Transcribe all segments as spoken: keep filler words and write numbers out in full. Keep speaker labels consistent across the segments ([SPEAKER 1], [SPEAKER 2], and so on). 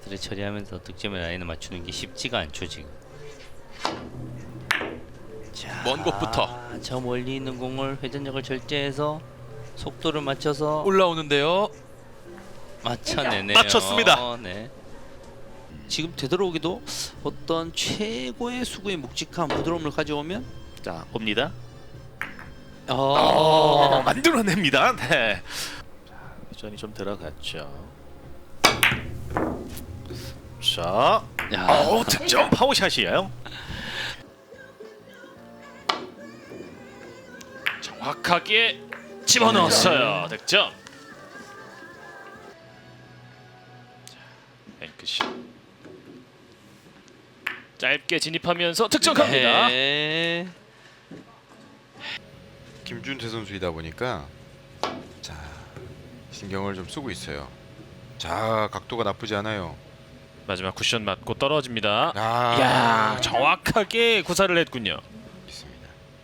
[SPEAKER 1] 스트레 처리하면서 득점의 라인을 맞추는 게 쉽지가 않죠 지금. 자,
[SPEAKER 2] 먼 곳부터
[SPEAKER 1] 저 멀리 있는 공을 회전력을 절제해서 속도를 맞춰서
[SPEAKER 2] 올라오는데요.
[SPEAKER 1] 맞춰내네요.
[SPEAKER 2] 맞췄습니다.
[SPEAKER 1] 네. 지금 되도록이도 어떤 최고의 수구의 묵직한 부드러움을 가져오면
[SPEAKER 3] 자, 봅니다.
[SPEAKER 1] 어,
[SPEAKER 3] 어, 만들어냅니다. 네. 자, 회전이 좀 들어갔죠. 자,
[SPEAKER 1] 야,
[SPEAKER 3] 어, 득점 파워샷이에요. 정확하게 집어넣었어요. 득점. 자, 뱅크샷. 짧게 진입하면서 득점 갑니다.
[SPEAKER 1] 네.
[SPEAKER 4] 김준태 선수이다 보니까 자 신경을 좀 쓰고 있어요. 자 각도가 나쁘지 않아요.
[SPEAKER 3] 마지막 쿠션 맞고 떨어집니다.
[SPEAKER 4] 아,
[SPEAKER 3] 야, 정확하게 구사를 했군요.
[SPEAKER 4] 있습니다.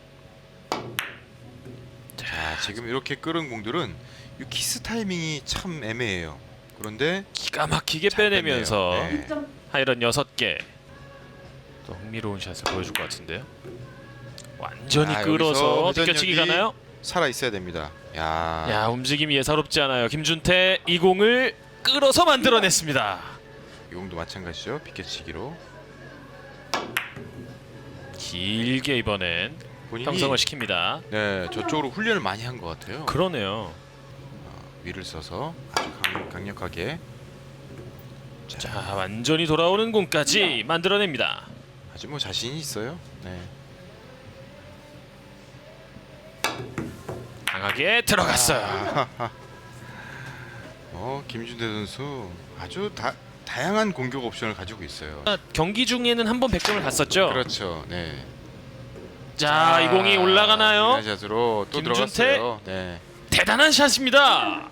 [SPEAKER 4] 자 지금 이렇게 끌은 공들은 이 키스 타이밍이 참 애매해요. 그런데
[SPEAKER 3] 기가 막히게
[SPEAKER 4] 잘
[SPEAKER 3] 빼내면서
[SPEAKER 4] 뺐네요. 네.
[SPEAKER 3] 하이런 여섯 개. 또 흥미로운 샷을 보여줄 것 같은데요. 완전히
[SPEAKER 4] 아,
[SPEAKER 3] 끌어서
[SPEAKER 4] 여기서
[SPEAKER 3] 느껴치기
[SPEAKER 4] 회전력이
[SPEAKER 3] 가나요?
[SPEAKER 4] 살아 있어야 됩니다. 야,
[SPEAKER 3] 야, 움직임이 예사롭지 않아요. 김준태 이 공을 끌어서 만들어냈습니다.
[SPEAKER 4] 이 공도 마찬가지죠. 비껴치기로
[SPEAKER 3] 길게 이번엔
[SPEAKER 4] 본인이
[SPEAKER 3] 형성을 시킵니다.
[SPEAKER 4] 네 저쪽으로 훈련을 많이 한 것 같아요.
[SPEAKER 3] 그러네요.
[SPEAKER 4] 어, 위를 써서 아주 강, 강력하게
[SPEAKER 3] 자, 완전히 돌아오는 공까지 만들어냅니다.
[SPEAKER 4] 아주 뭐 자신이 있어요. 네.
[SPEAKER 3] 강하게 들어갔어요.
[SPEAKER 4] 아, 어 김준태 선수 아주 다 다양한 공격 옵션을 가지고 있어요.
[SPEAKER 3] 경기 중에는 한 번 백 점을 갔었죠.
[SPEAKER 4] 그렇죠. 네.
[SPEAKER 3] 자, 이 공이 올라가나요?
[SPEAKER 4] 샷으로 또
[SPEAKER 3] 김준태.
[SPEAKER 4] 들어갔어요. 네.
[SPEAKER 3] 대단한 샷입니다.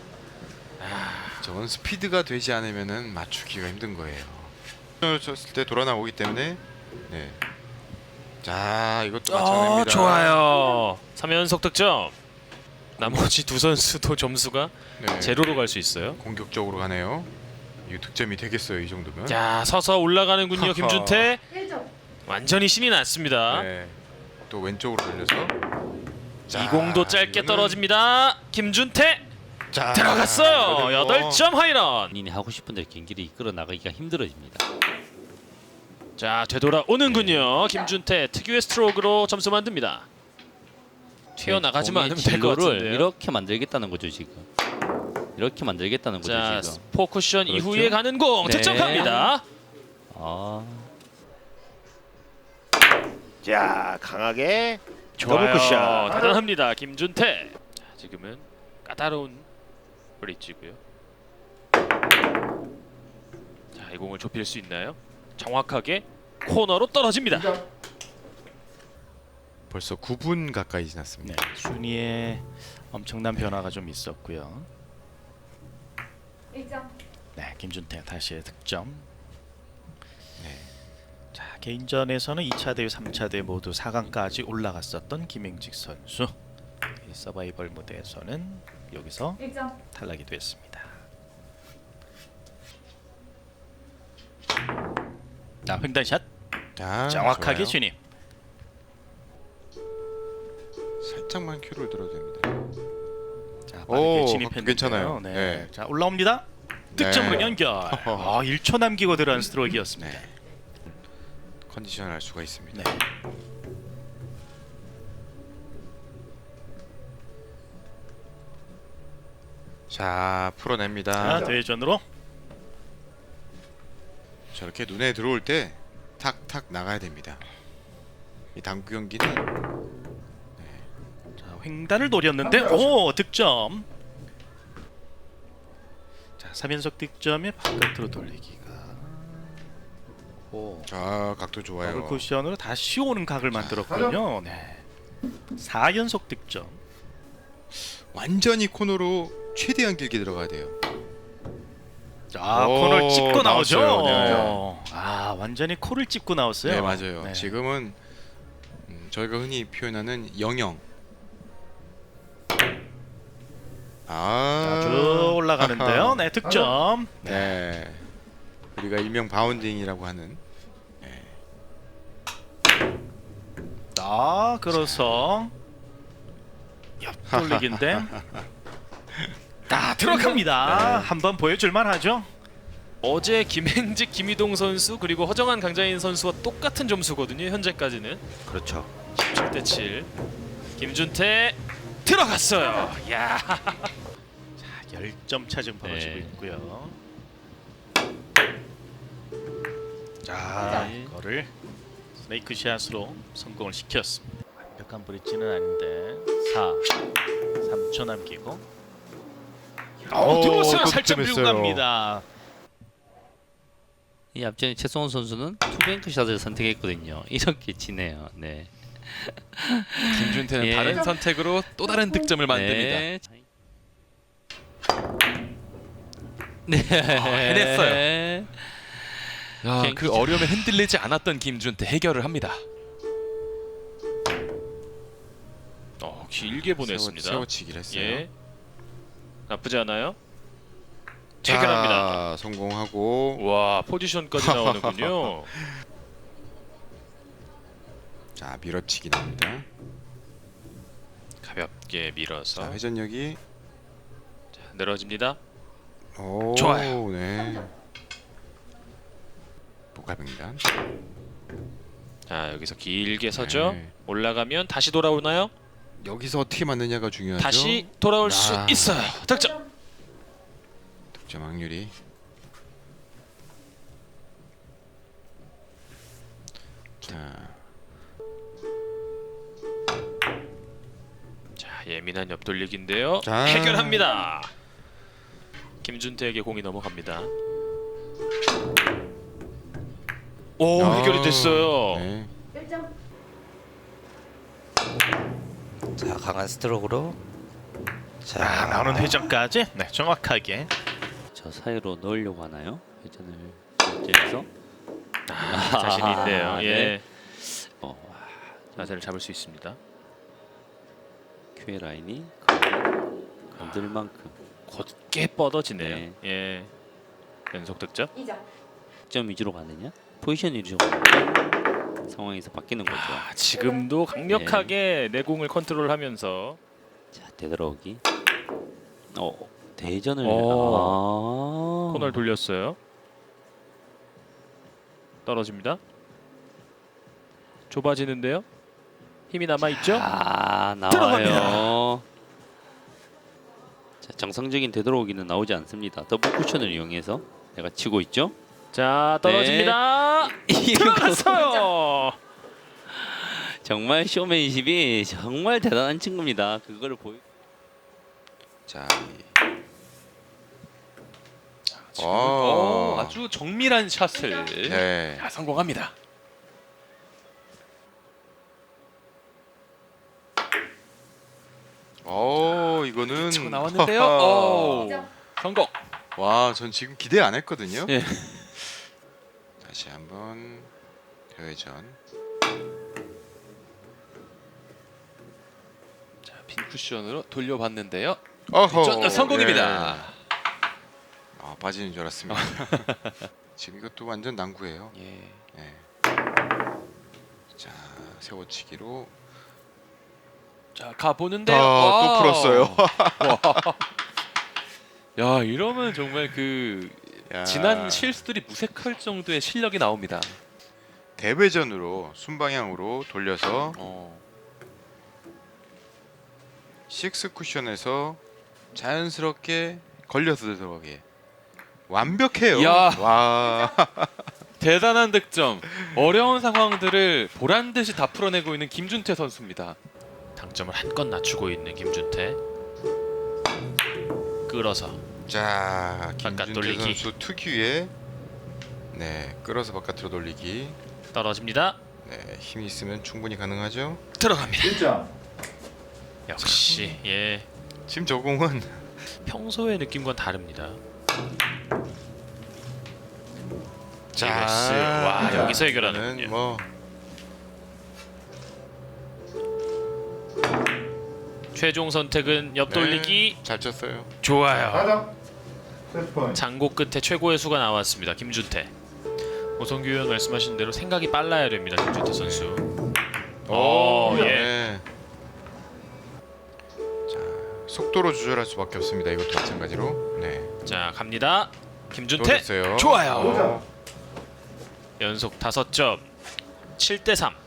[SPEAKER 4] 저건 스피드가 되지 않으면은 맞추기가 힘든 거예요. 쳤을 때 돌아 나오기 때문에 네. 자, 이것도
[SPEAKER 3] 어,
[SPEAKER 4] 맞춰냅니다.
[SPEAKER 3] 좋아요. 삼 연속 득점. 나머지 두 선수도 점수가
[SPEAKER 4] 네.
[SPEAKER 3] 제로로 갈 수 있어요.
[SPEAKER 4] 공격적으로 가네요. 이거 득점이 되겠어요, 이 정도면.
[SPEAKER 3] 자, 서서 올라가는군요. 김준태.
[SPEAKER 5] 일 점.
[SPEAKER 3] 완전히 신이 났습니다.
[SPEAKER 4] 네. 또 왼쪽으로 돌려서 자,
[SPEAKER 3] 이 공도 짧게
[SPEAKER 4] 이거는-
[SPEAKER 3] 떨어집니다. 김준태
[SPEAKER 4] 자,
[SPEAKER 3] 들어갔어요.
[SPEAKER 4] 이거는
[SPEAKER 3] 여덟
[SPEAKER 4] 뭐
[SPEAKER 3] 점 하이런.
[SPEAKER 1] 본인이 하고 싶은 대로 경기를 이끌어 나가기가 힘들어집니다.
[SPEAKER 3] 자, 되돌아오는군요. 김준태 특유의 스트로크로 점수 만듭니다. 튀어나가지만
[SPEAKER 1] 공의
[SPEAKER 3] 않으면 될 것
[SPEAKER 1] 진로를
[SPEAKER 3] 같은데요.
[SPEAKER 1] 이렇게 만들겠다는 거죠 지금. 이렇게 만들겠다는 거죠
[SPEAKER 3] 자,
[SPEAKER 1] 지금.
[SPEAKER 3] 포쿠션
[SPEAKER 1] 그렇죠.
[SPEAKER 3] 이후에 가는 공
[SPEAKER 1] 네.
[SPEAKER 3] 득점 갑니다.
[SPEAKER 1] 아,
[SPEAKER 6] 자, 강하게
[SPEAKER 3] 좋아요.
[SPEAKER 6] 더블 쿠션.
[SPEAKER 3] 대단합니다. 김준태. 자, 지금은 까다로운 브릿지고요. 자, 이 공을 좁힐 수 있나요? 정확하게 코너로 떨어집니다.
[SPEAKER 4] 벌써 구 분 가까이 지났습니다.
[SPEAKER 7] 네, 순위에 엄청난 변화가 좀 있었고요.
[SPEAKER 5] 일 점.
[SPEAKER 7] 네, 김준태 다시 득점.
[SPEAKER 4] 네.
[SPEAKER 7] 자, 개인전에서는 이 차 대회, 삼 차 대회 모두 사 강까지 올라갔었던 김행직 선수. 이 서바이벌 무대에서는 여기서
[SPEAKER 5] 일 점.
[SPEAKER 7] 탈락이 됐습니다. 자, 횡단샷
[SPEAKER 4] 자,
[SPEAKER 7] 정확하게
[SPEAKER 4] 좋아요.
[SPEAKER 7] 진입.
[SPEAKER 4] 살짝만 큐를 들어도 됩니다.
[SPEAKER 7] 자,
[SPEAKER 4] 오,
[SPEAKER 7] 빠르게 진입했는데요.
[SPEAKER 4] 괜찮아요.
[SPEAKER 7] 네.
[SPEAKER 4] 네.
[SPEAKER 7] 자, 올라옵니다. 득점으로
[SPEAKER 4] 네.
[SPEAKER 7] 연결. 아, 일 초 남기고 들어간 스트로크였습니다.
[SPEAKER 4] 네. 컨디션을 알 수가 있습니다.
[SPEAKER 7] 네.
[SPEAKER 4] 자, 풀어냅니다.
[SPEAKER 7] 자, 대회전으로.
[SPEAKER 4] 저렇게 눈에 들어올 때 탁탁 나가야 됩니다. 이 당구 경기는
[SPEAKER 7] 자, 횡단을 노렸는데 오, 득점. 자, 삼 연속 득점에 바깥으로 돌리기가. 오.
[SPEAKER 4] 자, 각도
[SPEAKER 7] 더블
[SPEAKER 4] 좋아요.
[SPEAKER 7] 쿠션으로 다시 오는 각을 만들었군요. 네. 사 연속 득점.
[SPEAKER 4] 완전히 코너로 최대한 길게 들어가야 돼요.
[SPEAKER 7] 자,
[SPEAKER 4] 오,
[SPEAKER 7] 코를 찝고 나오죠.
[SPEAKER 4] 나왔어요. 네.
[SPEAKER 7] 아, 완전히 코를 찝고 나왔어요.
[SPEAKER 4] 네, 맞아요.
[SPEAKER 7] 네.
[SPEAKER 4] 지금은 음, 저희가 흔히 표현하는 영영. 아,
[SPEAKER 7] 자, 쭉 올라가는데요. 네, 득점.
[SPEAKER 4] 네. 우리가 일명 바운딩이라고 하는.
[SPEAKER 7] 아, 그래서 옆돌리기인데 다 들어갑니다. 한번 보여줄만 하죠.
[SPEAKER 3] 어제 김행직, 김희동 선수 그리고 허정한, 강자인 선수와 똑같은 점수거든요. 현재까지는
[SPEAKER 6] 그렇죠.
[SPEAKER 3] 십칠 대 칠. 김준태 들어갔어요. 야.
[SPEAKER 7] 열 점 차 지금 벌어지고
[SPEAKER 3] 네.
[SPEAKER 7] 있고요. 자, 이거를 스네이크 샷으로 성공을 시켰습니다. 완벽한 브릿지는 아닌데 사, 삼 초 남기고 어, 들어왔어요.
[SPEAKER 4] 또
[SPEAKER 7] 살짝 밀고
[SPEAKER 4] 득점했어요.
[SPEAKER 7] 갑니다.
[SPEAKER 1] 이 앞전에 최성훈 선수는 투뱅크 샷을 선택했거든요. 이렇게 지네요. 네.
[SPEAKER 2] 김준태는
[SPEAKER 1] 예.
[SPEAKER 2] 다른 선택으로 또 다른 득점을 만듭니다.
[SPEAKER 1] 네. 네.
[SPEAKER 2] 해냈어요. 야,
[SPEAKER 1] 비행기
[SPEAKER 2] 그 어려움에 흔들리지 않았던 김준태 해결을 합니다.
[SPEAKER 3] 어, 길게 보냈습니다.
[SPEAKER 4] 세워, 세워치기를 했어요.
[SPEAKER 3] 예. 나쁘지 않아요.
[SPEAKER 4] 자,
[SPEAKER 3] 해결합니다.
[SPEAKER 4] 성공하고.
[SPEAKER 3] 와, 포지션까지 나오는군요.
[SPEAKER 4] 자, 밀어치기 나옵니다.
[SPEAKER 3] 가볍게 밀어서
[SPEAKER 4] 자, 회전력이.
[SPEAKER 3] 늘어집니다.
[SPEAKER 4] 오,
[SPEAKER 3] 좋아요.
[SPEAKER 4] 네. 복합입니다.
[SPEAKER 3] 자, 여기서 길게 서죠.
[SPEAKER 4] 네.
[SPEAKER 3] 올라가면 다시 돌아오나요?
[SPEAKER 4] 여기서 어떻게 맞느냐가 중요하죠.
[SPEAKER 3] 다시 돌아올 수
[SPEAKER 4] 아.
[SPEAKER 3] 있어요. 득점.
[SPEAKER 4] 득점 확률이. 자,
[SPEAKER 3] 자, 예민한 옆돌리기인데요.
[SPEAKER 4] 자.
[SPEAKER 3] 해결합니다. 김준태에게 공이 넘어갑니다. 오,
[SPEAKER 4] 아,
[SPEAKER 3] 해결이 됐어요.
[SPEAKER 4] 네.
[SPEAKER 1] 자, 강한 스트로크로 자,
[SPEAKER 7] 아, 나오는 회전까지 네, 정확하게.
[SPEAKER 1] 저 사이로 넣으려고 하나요? 회전을 결제해서
[SPEAKER 3] 아, 자신이 있네요. 예.
[SPEAKER 1] 네. 어,
[SPEAKER 3] 자세를 잡을 수 있습니다.
[SPEAKER 1] 큐에 라인이 건들 만큼
[SPEAKER 3] 곧게 뻗어지네요.
[SPEAKER 1] 네.
[SPEAKER 3] 예. 연속 득점.
[SPEAKER 1] 점 위주로 가느냐? 포지션 위주로 가느냐? 상황에서 바뀌는 거죠.
[SPEAKER 3] 아, 지금도 강력하게 내공을 컨트롤하면서
[SPEAKER 1] 자, 되돌아오기. 어, 대전을
[SPEAKER 3] 어.
[SPEAKER 1] 아.
[SPEAKER 3] 코너를 돌렸어요. 떨어집니다. 좁아지는데요. 힘이 남아 있죠?
[SPEAKER 1] 아, 나와요.
[SPEAKER 3] 들어갑니다.
[SPEAKER 1] 자, 정상적인 되돌아오기는 나오지 않습니다. 더블 쿠션을 이용해서 내가 치고 있죠.
[SPEAKER 3] 자, 떨어집니다. 들어갔어요.
[SPEAKER 1] 정말 쇼맨십이 정말 대단한 친구입니다. 그거를 보여.
[SPEAKER 4] 자,
[SPEAKER 2] 지금
[SPEAKER 4] 오.
[SPEAKER 2] 어, 아주 정밀한 샷을
[SPEAKER 4] 네.
[SPEAKER 2] 자, 성공합니다.
[SPEAKER 4] 오, 이거는
[SPEAKER 2] 치고 나왔는데요. 오, 성공.
[SPEAKER 4] 와, 전 지금 기대 안 했거든요.
[SPEAKER 1] 예.
[SPEAKER 4] 다시 한번 대회전.
[SPEAKER 2] 자, 빈 쿠션으로 돌려봤는데요.
[SPEAKER 4] 어허,
[SPEAKER 2] 전- 성공입니다.
[SPEAKER 4] 네. 아, 빠지는 줄 알았습니다. 지금 이것도 완전 난구예요.
[SPEAKER 2] 예.
[SPEAKER 4] 네. 자, 세워치기로.
[SPEAKER 2] 자, 가 보는데요.
[SPEAKER 4] 아, 또 풀었어요.
[SPEAKER 2] 야, 이러면 정말 그
[SPEAKER 4] 야,
[SPEAKER 2] 지난 실수들이 무색할 정도의 실력이 나옵니다.
[SPEAKER 4] 대회전으로 순방향으로 돌려서
[SPEAKER 2] 어.
[SPEAKER 4] 식스 쿠션에서 자연스럽게 걸려서 들어가게. 완벽해요.
[SPEAKER 2] 야.
[SPEAKER 4] 와.
[SPEAKER 2] 대단한 득점. 어려운 상황들을 보란 듯이 다 풀어내고 있는 김준태 선수입니다.
[SPEAKER 7] 당점을 한껏 낮추고 있는 김준태. 끌어서
[SPEAKER 4] 자,
[SPEAKER 7] 바깥
[SPEAKER 4] 김준태
[SPEAKER 7] 돌리기.
[SPEAKER 4] 선수 특유의 네, 끌어서 바깥으로 돌리기.
[SPEAKER 7] 떨어집니다.
[SPEAKER 4] 네, 힘이 있으면 충분히 가능하죠.
[SPEAKER 7] 들어갑니다. 역시 예,
[SPEAKER 4] 지금 저 공은
[SPEAKER 7] 평소의 느낌과는 다릅니다.
[SPEAKER 4] 자,
[SPEAKER 7] 와, 여기서
[SPEAKER 4] 이거는
[SPEAKER 7] 해결하는군요.
[SPEAKER 4] 뭐
[SPEAKER 7] 최종 선택은 옆돌리기.
[SPEAKER 4] 네, 잘 쳤어요.
[SPEAKER 7] 좋아요.
[SPEAKER 3] 장고 끝에 최고의 수가 나왔습니다. 김준태. 오성규 의원 말씀하신 대로 생각이 빨라야 됩니다. 김준태 선수. 어, 예.
[SPEAKER 4] 네. 자, 속도로 조절할 수밖에 없습니다. 이것도 마찬가지로. 네.
[SPEAKER 3] 자, 갑니다.
[SPEAKER 4] 또
[SPEAKER 3] 김준태.
[SPEAKER 4] 됐어요.
[SPEAKER 3] 좋아요.
[SPEAKER 4] 어,
[SPEAKER 3] 연속 다섯 점. 칠 대 삼.